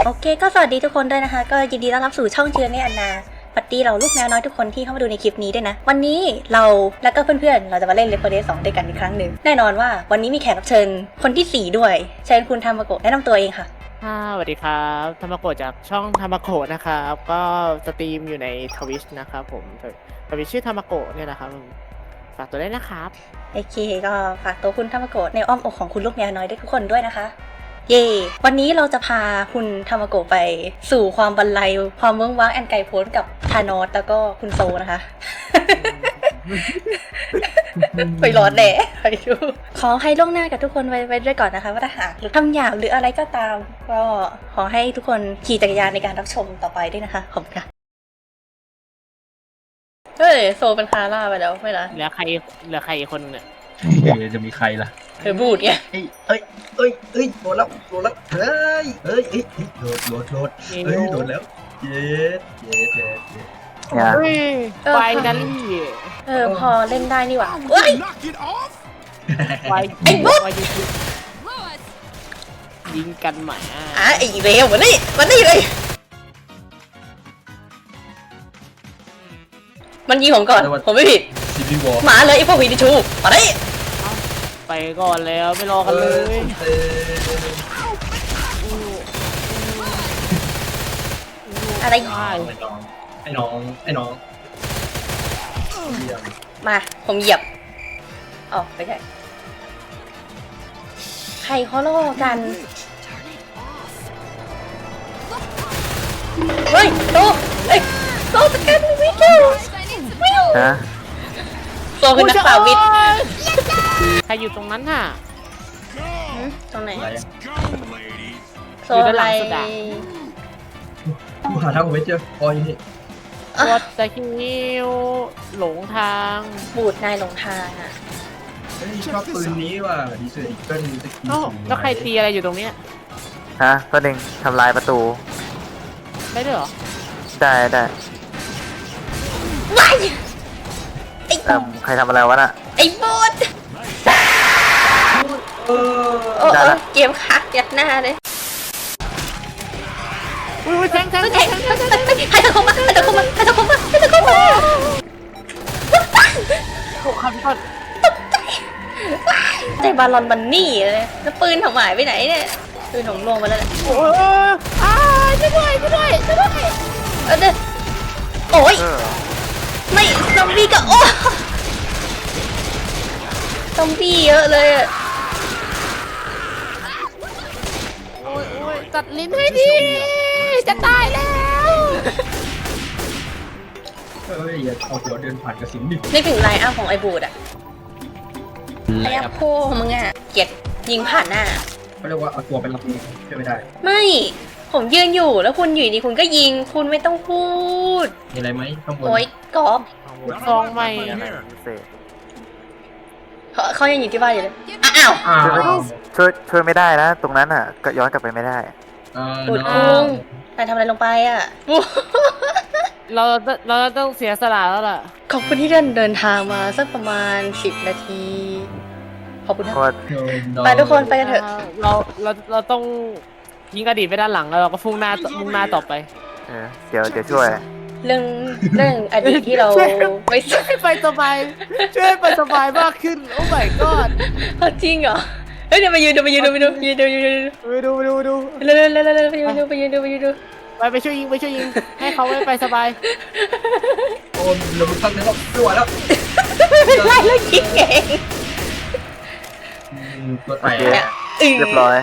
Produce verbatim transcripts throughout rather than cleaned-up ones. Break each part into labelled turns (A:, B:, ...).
A: โอเคก็สวัสดีทุกคนด้วยนะคะก็ยินดีต้อนรับสู่ช่องเชือนในอันนาสวัสดีเราลูกแมวน้อยทุกคนที่เข้ามาดูในคลิปนี้ด้วยนะวันนี้เราและก็เพื่อนๆเราจะมาเล่น Left โฟร์ Dead สองด้วยกันอีกครั้งหนึ่งแน่นอนว่าวันนี้มีแขกรับเชิญคนที่สี่ด้วยเชิญคุณธรรมโกะแนะนำตัวเองค่ะ
B: ค่ะสวัสดีครับธรรมโกะจากช่องธรรมโกะนะครับก็สตรีมอยู่ในทวิชนะครับผมทวิชชื่อธรรมโกะเนี่ยนะครับฝากตัวได้นะครับ
A: โอเคก็ฝากตัวคุณธรรมโกะในอ้อมอกของคุณลูกแมวน้อยด้วยทุกคนด้วยนะคะเย่วันนี้เราจะพาคุณธรรมโกะไปสู่ความบรรลัยความเมืองว้างแอนไกโพ้นกับธานอสแล้วก็คุณโซนะคะ ไปร้อนแหน่ไปดูขอให้ล่วงหน้ากับทุกคนไว้ไว้ด้วยก่อนนะคะว่าถ้าหากหรือทำหยาบหรืออะไรก็ตามก็ขอให้ทุกคนขี่จักรยานในการรับชมต่อไปด้วยนะคะขอบคุณค่ะเฮ้ยโซเป็นคาร่าไปแล้วไม่ละ
B: เหลือใครเหลือใครอีกคนเนี่ย
C: เอจะมีใครล่ะ
A: เธอบูดไง
C: เอ้ยเอ้ยเอ้ยเอ้ยโดนแล้วโดนแล้วเฮ้ยเอ้ยเอ้ยโดดโดดโดดเฮ้ยโดนแล้วเย็ดเย็ดเย็ดเย็ด
B: เฮ้ยไฟนัลลี่
A: เออพอเล่นได้นี่หว่าเฮ้ย
B: ไฟไอ้บุ๊กยิงกันหมา
A: อ่ะไอ้เร็วมานี่มานี่เลยมันยิงผมก่อนผมไม่ผิดหมาเลยไอ้พวกผีดิชูมาดิ
B: ไปก่อนแล้วไม่รอกันเลย
A: อะไร
C: ไอ้น้องไอ้น้อง
A: มาผมเหยียบอ๋อไม่ใช่ใครเขาล่อกันเฮ้ยโตเอ้ยโตสแกนวิววิวฮะโตคือนักป่าวิทย์
B: ใครอยู่ตรงนั้นน่ะ
A: ตรงไหนโซ
B: ไล
C: กูหาทางไม่เจอพออย่างนี้
B: วอตจะคิวหลงทาง
A: บูดนายหลงทางอ่ะ
C: ชอบปืนนี้ว่ะดีเซอร์อีกเกิลสกี
B: แล้วใครตีอะไรอยู่ตรงเนี้ย
D: ฮะก็ดึงทำลายประตู
B: ได้ด้วยเหรอ
D: ได้ได้
A: ว้ายไอ้
D: ใครทำอะไรวะน่ะ
A: ไอ้บูดโอ้โอ้เกมคักยัดหน้าเลย
B: อุ้ยแทงแทงแทงแทงแทง
A: ใครจะเข้ามาใครจะเข้ามาใครจะเข้ามาใครจะเข้ามา
B: โอ้ขับก่อน
A: ใจบาลอนบันนี่เลยแล้วปืนถมายไปไหนเนี่ยปืนถมลงมาแล้ว
B: โอ้ยอ้าช่วยด้วยช่วยด้วยช่วยด้วย
A: เออเด้อโอ้ยไม่ซอมบี้ก็โอ้ซอมบี้เยอะเลยอ่ะ
B: โอ้ยโอ้ยตัดลิ้นให้ดีจะตายแล้ว
C: เฮ้ยอย่าเอาเดี๋ยวเดินผ่านกระสินดิ
A: นึกถึงไลน์อัพของไอ้บูดอะไลน์อัพโค้มึงอะเกลียดยิงผ่านหน้า
C: เขาเรียกว่าเอาตัวไปรับมือช่วยไม่ได้
A: ไม่ผมยืนอยู่แล้วคุณอยู่ดีคุณก็ยิงคุณไม่ต้องพูด
C: มีอะไรไหมข้างบน
A: โอ๊ยกอบ
B: ซองใหม่
A: เขาเขายังอยู่ที่บ้านอยู่เลยอ้าว
D: ช่วยช่วยไม่ได้นะตรงนั้นอ่ะก็ย้อนกลับไปไม่ได้
A: บูดคุงนายทำอะไรลงไปอ่ะ
B: เราเราต้องเสียสละแล้วล่ะ
A: ขอบคุณที่เดินเดินทางมาสักประมาณสิบนาทีขอบคุณนะไปทุกคนไปกันเถอะ
B: เราเราเราต้องยิงอดีตไปด้านหลังแล้วเราก็พุ่งหน้ามุ่งหน้าต่อไป
D: เออเดี๋ยวเดี๋ยวช่วย
A: เรื่องเรื่องอดีตที่เรา
B: ไม่ช่วยไปสบายช่วยไปสบายมากขึ้นโอ้ my god
A: จริงเหรอเฮ้ยเดี๋ยวไปยืนเดี๋ยวไปยืนเดี๋ยวไปดูยืนเดี๋ยวยืน
B: ไปดูไปดูไปดู
A: เร็วเร็วเร็วเร็วไปยืนดูไปยืนดูไปยืนดู
B: ไปไปช่วยยิงไปช่วยยิงให้เขาไม่ไปสบาย
C: โอ้เราไม่ตั้งใจแล้วไม่ไหวแล้ว
A: ไล่แล้วยิงเอง
C: ตัวแตก
D: เรียบร้อย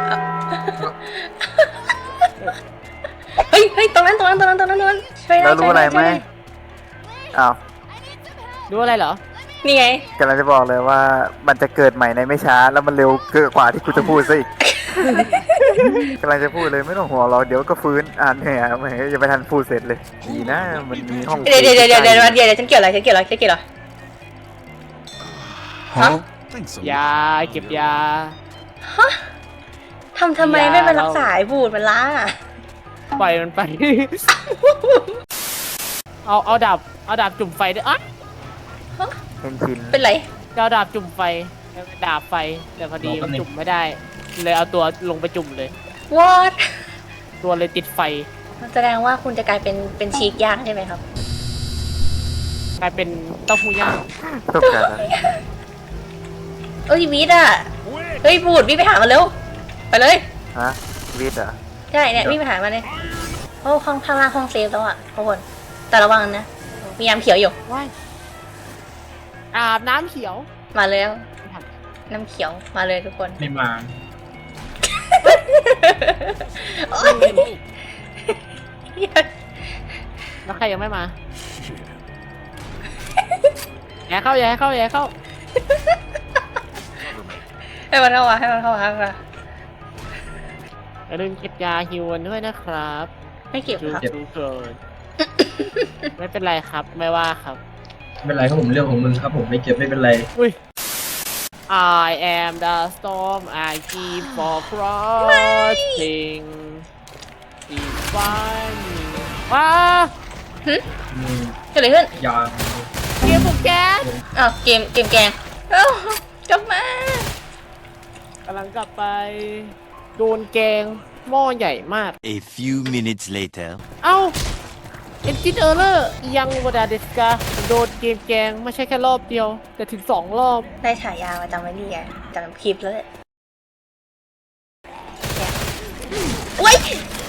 A: เฮ้ยเฮ้ยตรงนั้นตรงนั้นตรงนั้นตรงนั้นตรงนั้นช่วยได้
D: เรารู้อะไรไหมอ้าว
B: รู้อะไรเหรอ
A: นี่ไง
D: กำลังจะบอกเลยว่ามันจะเกิดใหม่ในไม่ช้าแล้วมันเร็วเกินกว่าที่กูจะพูดซะอีกกำลังจะพูดเลยไม่ต้องห่วงเราเดี๋ยวก็ฟื้นอ่านเนี่ยไม่ยังไม่ทันพูดเสร็จเลยดีนะมันมีห้อง
A: เดี๋ยวเดี๋ยวเดี๋ยวเดี๋ยวเดี๋ยวเดี๋ยวฉันเกี่ยวอะไรฉันเกี่ยวอะไรฉันเกี่ยวอะไรฮะ
B: ยาเก็บยา
A: ฮะทำทำไมไม่ไปรักษาไอ้บูดมันล่ะ
B: ปล่อยมันไปเอาเอาดาบเอาดาบจุ่มไฟด้วยอ่ะ
D: เป็นชิ้น
A: เป็นไร
B: เอาดาบจุ่มไฟดาบไฟแต่พอดีมันจุ่มไม่ได้เลยเอาตัวลงไปจุ่มเลย
A: what
B: ตัวเลยติดไฟ
A: แสดงว่าคุณจะกลายเป็นเป็นชีกย่างใช่ไหมครับ
B: กลายเป็นเต้าหู้ย่าง
D: ต้องการอะไร
A: เอ้ยวีดอ่ะเฮ้ยบูดวิ่งไปหามันเร็วไปเลย
D: ฮะวีดเหรอ
A: ใช่เนี่ยวิ่งไปหามันเลยโอ้ห้องข้างล่างห้องเซฟแล้วอ่ะทุกคนแต่ระวังนะมีน้ำเขียวอยู่
B: ว้ายอาบน้ำเขียว
A: มาแล้วน้ำเขียวมาเลยทุกคน
C: ไม่มา
A: โอ๊ย
B: แล้วใครยังไม่มาอย่าเข้าอย่าให้เข้าอย่าให้เข้า
A: ให้มันเข้ามาให้มันเข้ามาให้มันเข้ามา
B: อย่าลืมเก็บยาฮิวกันด้วยนะครับ
A: ไม่เก็บ
B: จู
A: ครับ
B: จูเกินไม่เป็นไรครับไม่ว่าครับ
C: ไม่เป็นไรครับผมเรื่องของมึงครับผมไม่เก็บไม่เป็นไร
B: อุ้ย I am the storm I keep for crossing It's funny ว้า
C: อืม
A: เกิดอะไรขึ้น
C: ยาง
B: เกมบุกแก๊ส
A: อ้าวเกมเกมแกงเอ้ากลับมาก
B: ำลังกลับไป โดนแกงหม้อใหญ่มาก
E: A few minutes later.
B: เอ้าเอนจินเออร์เลอร์ยังวดาเดสกาโดนเกมแกงไม่ใช่แค่รอบเดียว แต่ถึงสองรอบ
A: ได้ฉายามาจำไว้ดีอ่ะจำคลิปแล้วเลยโอ๊ย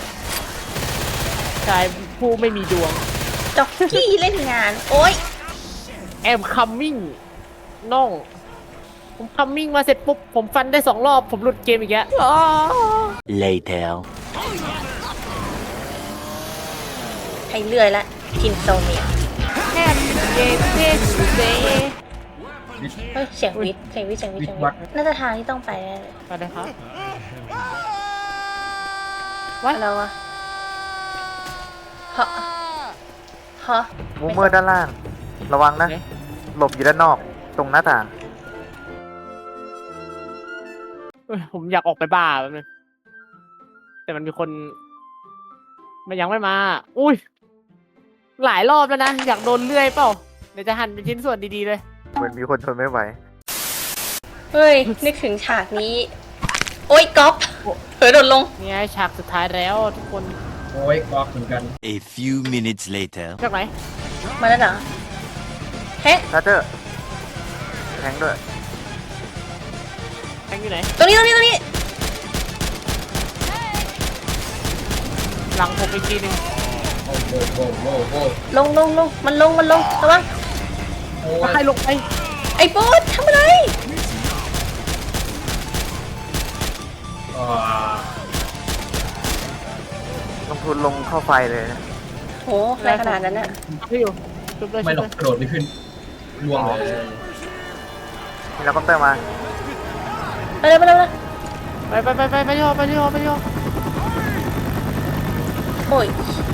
B: ชายผู้ไม่มีดวง
A: จ็อกกี้เล่นงานโอ๊ย
B: แอมคัมมิ่งน้อง ผมคัมมิ่งมาเสร็จปุ๊บ ผมฟันได้สองรอบ ผมหลุดเกมอีกแล้วอ้าว
E: Later.
A: ให้เลื่อยละทินโซเมีย
B: แค่เกมเทสเซ
A: เฮ้ยเสียงวิทย์เสียงวิทย์เสียงวิทย์เสียงวิทย์น่าจะทางที่ต้องไปแน่เลย
B: ไปเลยครับ
A: อะไรวะฮะฮะ
D: มูเมอร์ด้านล่าง ระวังนะ
B: โอเค
D: หลบอยู่ด้านนอก ตรงหน้าต่าง
B: เอ้ยผมอยากออกไปบ้าแป๊บนึงแต่มันมีคน มันยังไม่มา อุ้ย หลายรอบแล้วนะ อยากโดนเลื่อยเปล่า เดี๋ยวจะหั่นเป็นชิ้นส่วนดีๆเลย
D: เหมือนมีคนทนไม่ไหว
A: เฮ้ยนึกถึงฉากนี้ โอ๊ยก๊อฟเผลอโดดลง
B: นี่ไงฉากสุดท้ายแล้วทุกคน
C: โอ้ยกอกเหมือนกัน
E: A few minutes later.
B: จากไหน
A: มาแล้วเหรอเฮ้ย
D: ทัตเตอร์แทงด้วย
B: แทงอยู่ไหน
A: ตรงนี้ตรงนี้ตรงนี้
B: หลังผมอีกทีหนึ่ง
C: โอ้โหโอ้โหโอ้โห
A: ลงลงลงมันลงมันลงระวัง
C: โอ้
B: แล้วใคร
C: ย
B: ลงไป
A: ไอ้โบ๊ททำอะไร
C: อ่า
D: ลงทุนลงเข้าไฟเลยนะ
A: โหอะไรขนาดนั้นน่ะ
B: พี่อยู่ชุบเลย
C: ไม่
B: ชุบ
C: หร
B: เล
C: อก
B: ย
C: กระโดดไม่ขึ้นล่วงเลย
D: มีเฮลิคอปเตอร์มา
A: ไปเลยไปเลยไปเลย
B: ไปไปไปไปไปที่หอไปที่หอไปที่หอ
A: โอ้ย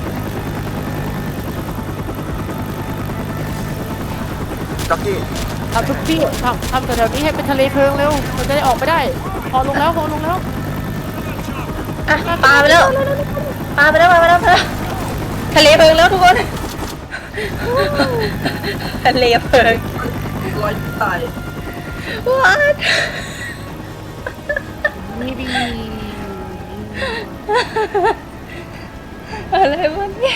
D: จ็อกกี้
B: ทำทุกที่ทำทำแต่แถวนี้ให้เป็นทะเลเพลิงเร็ว มันจะได้ออกไปได้ พอลงแล้วพอลงแล้ว
A: อ่ะปลาไปแล้วปลาไปแล้วปลาไปแล้วปลาไปแล้วทะเลเพลิงแล้วทุกคนทะเลเพลิง
C: ลอยตาย
A: วัด
B: นี่ดี
A: อะไรวะเนี่ย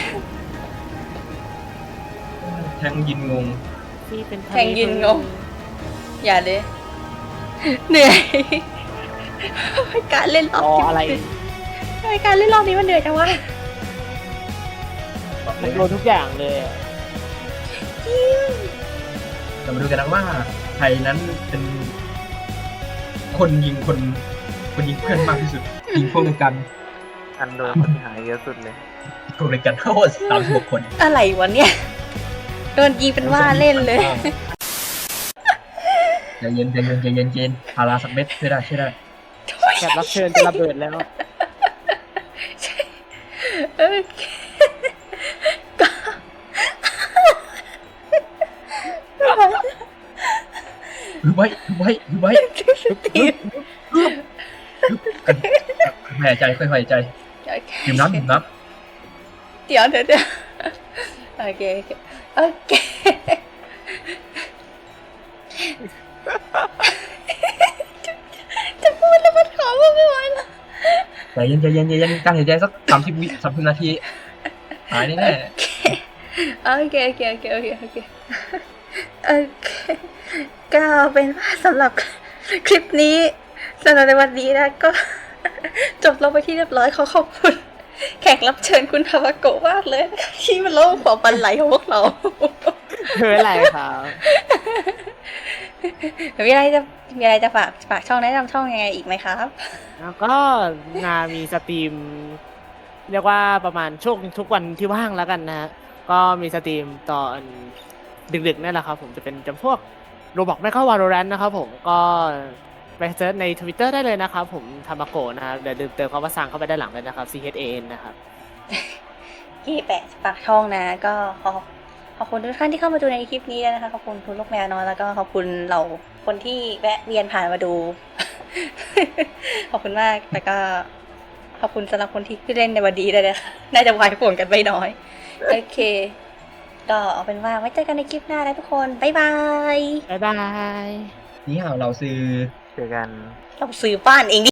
C: แทงยินงง
B: นี่เป็นทะเล
A: แข่งยืนงงอย่าเลยเหนื่อยการเล่นรอบ
B: รอ
A: นี้
B: อะไร
A: ทำไมการเล่นรอบนี้มันเหนื่อยจังวะ
B: มันโดนทุกอย่างเลยอะ
C: เรามาดูกันนะว่าใครนั้นเป็น คนยิงคนคนยิงเพื่อนมากที่สุดยิงพวกเดียวกัน
D: อันโดนคนที่หายเยอะสุดเลย
C: พวกเดียวกันทั้งหมดสามสิบหกคน
A: อะไรวะเนี่ยโดนยิงเป็นว่าเล่นเลย
C: ใจเย็นใจเย็นใจเย็นใจเย็นพาราสักเม็ดช่วยได้ช่วยได้
B: แขกรับเชิญจะระเบิดแล้ว
A: โอเคก็
C: ถือไว้ถือไว้ถือไว้กันหายใจค่อยหายใจดื่มน้ำดื่มน้
A: เดี๋ยวเดี๋ยวเดี๋ยวโอเคโอเคจะพูดแล้วมันขอพูดไม่ไหวแล้ว
C: ใจเย็นใจเย็นใจเย็นการหายใจสักสามสิบวิสามสิบนาทีหายแน่
A: โอเคโอเคโอเคโอเคโอเคโอเคก็เอาเป็นว่าสำหรับคลิปนี้สำหรับในวันนี้นะก็ จบลงไปที่เรียบร้อยขอขอบคุณ แขกรับเชิญคุณทาวาโกะมากเลยนะคะที่มาเล่าความบันไหลของพวกเรา
B: ไม่เป็นไรครับ
A: มีอะไรจะมีอะไรจะฝากฝากช่องแนะนำช่องยังไงอีกไหมครับ
B: แล้วก็นามีสตรีม เรียกว่าประมาณช่วงทุกวันที่ว่างแล้วกันนะฮะก็มีสตรีมตอนดึกๆนี่แหละครับผมจะเป็นจำพวกโรบอกไม่เข้าวาโลแรนต์นะครับผมก็ไปเซิร์ชใน Twitter ได้เลยนะครับผมทามาโกะนะครับเดี๋ยวเติมคำว่าซังเข้าไปด้านหลังเลยนะครับ C H A N นะครับ
A: ที่แปะปากช่องนะก็ขอขอบคุณทุกท่านที่เข้ามาดูในคลิปนี้ด้วยนะคะขอบคุณคุณลูกแมวน้อยแล้วก็ขอบคุณเราคนที่แวะเวียนผ่านมาดู ขอบคุณมากแล้วก็ขอบคุณสำหรับคนที่เล่นในวันดีเลยนะคะน่าจะวายป่วงกันไม่น้อยโอเคก็เอาเป็นว่าไว้เจอกันในคลิปหน้านะทุกคนบ๊ายบาย
B: บ๊ายบาย
C: ๆนี่ห่าวเราซื้อ
D: เจอกัน
A: เราซื้อบ้านเองดิ